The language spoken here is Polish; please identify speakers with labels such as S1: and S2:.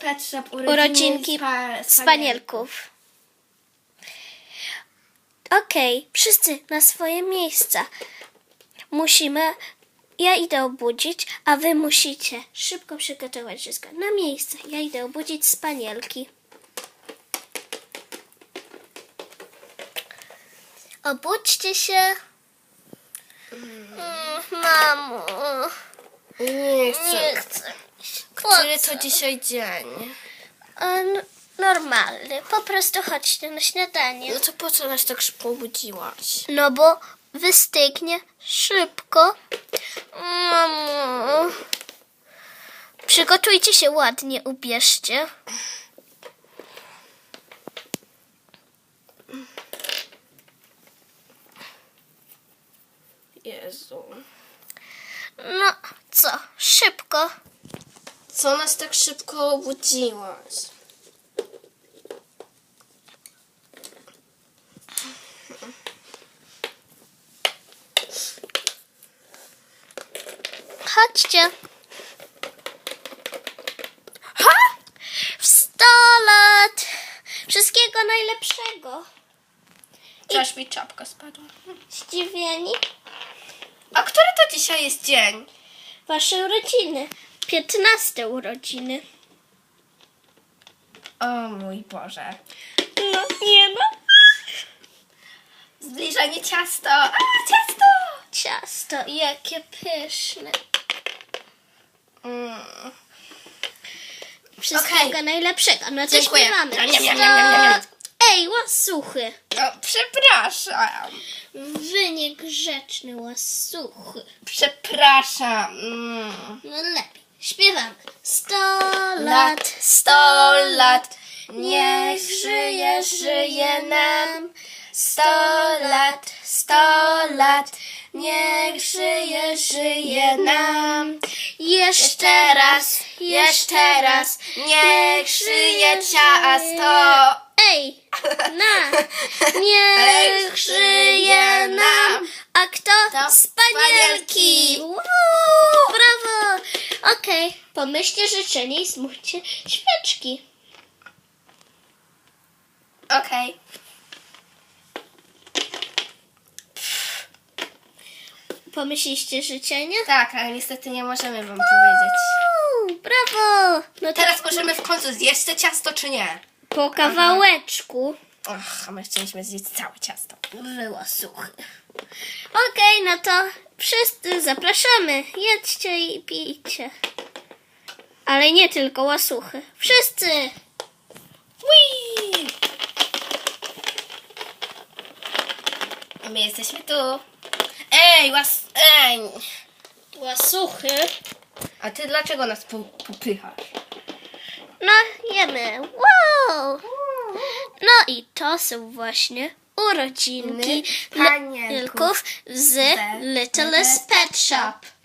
S1: Pet Shop
S2: Urodzinki spanielków. Okej, wszyscy na swoje miejsca. Ja idę obudzić, a wy musicie szybko przygotować wszystko. Na miejsce. Ja idę obudzić spanielki. Obudźcie się. Mamo.
S1: Nie chcę.
S2: Nie chcę.
S1: Który to dzisiaj dzień?
S2: Normalny. Po prostu chodźcie na śniadanie.
S1: No to po co nas tak szybko obudziłaś?
S2: No bo wystygnie szybko. Mamo. Przygotujcie się ładnie, ubierzcie.
S1: Jezu.
S2: No co, szybko.
S1: Co nas tak szybko obudziłaś?
S2: Chodźcie. W 100 lat. Wszystkiego najlepszego.
S1: Aż mi czapka spadła.
S2: Zdziwieni?
S1: A który to dzisiaj jest dzień?
S2: Wasze urodziny. 15 urodziny.
S1: O mój Boże.
S2: No, nie no.
S1: Zbliżenie ciasto. A, ciasto!
S2: Ciasto, jakie pyszne. Wszystkiego
S1: Okej.
S2: najlepszego. No to
S1: Dziękuję.
S2: śpiewamy.
S1: Niam, niam, niam, niam, niam.
S2: Ej, łasuchy.
S1: O, przepraszam.
S2: Wy niegrzeczny łasuchy.
S1: Przepraszam.
S2: No lepiej. Śpiewamy. 100
S1: Lat, 100 lat. Niech żyje, żyje nam. 100 lat, 100 lat. Niech żyje, żyje nam.
S2: Jeszcze
S1: Jeszcze raz. Niech żyje ciasto.
S2: Ej, niech żyje nam. A kto?
S1: To
S2: Spanielki.
S1: spanielki.
S2: Brawo. Okej, pomyślcie życzenie i zmówcie świeczki.
S1: Okej.
S2: Pomyśliście życzenie?
S1: Tak, ale niestety nie możemy wam powiedzieć.
S2: Brawo. No to
S1: Teraz możemy w końcu zjeść to ciasto, czy nie?
S2: po kawałeczku.
S1: Ach, a my chcieliśmy zjeść całe ciasto.
S2: Było suchy. Okej, no to wszyscy zapraszamy. Jedźcie i pijcie. Ale nie tylko łasuchy. Wszyscy.
S1: Whee! My jesteśmy tu. Ej, ej!
S2: Łasuchy.
S1: A ty dlaczego nas popychasz?
S2: No, jemy. Wow. No i to są właśnie urodzinki
S1: Panienków
S2: z Littlest Pet Shop.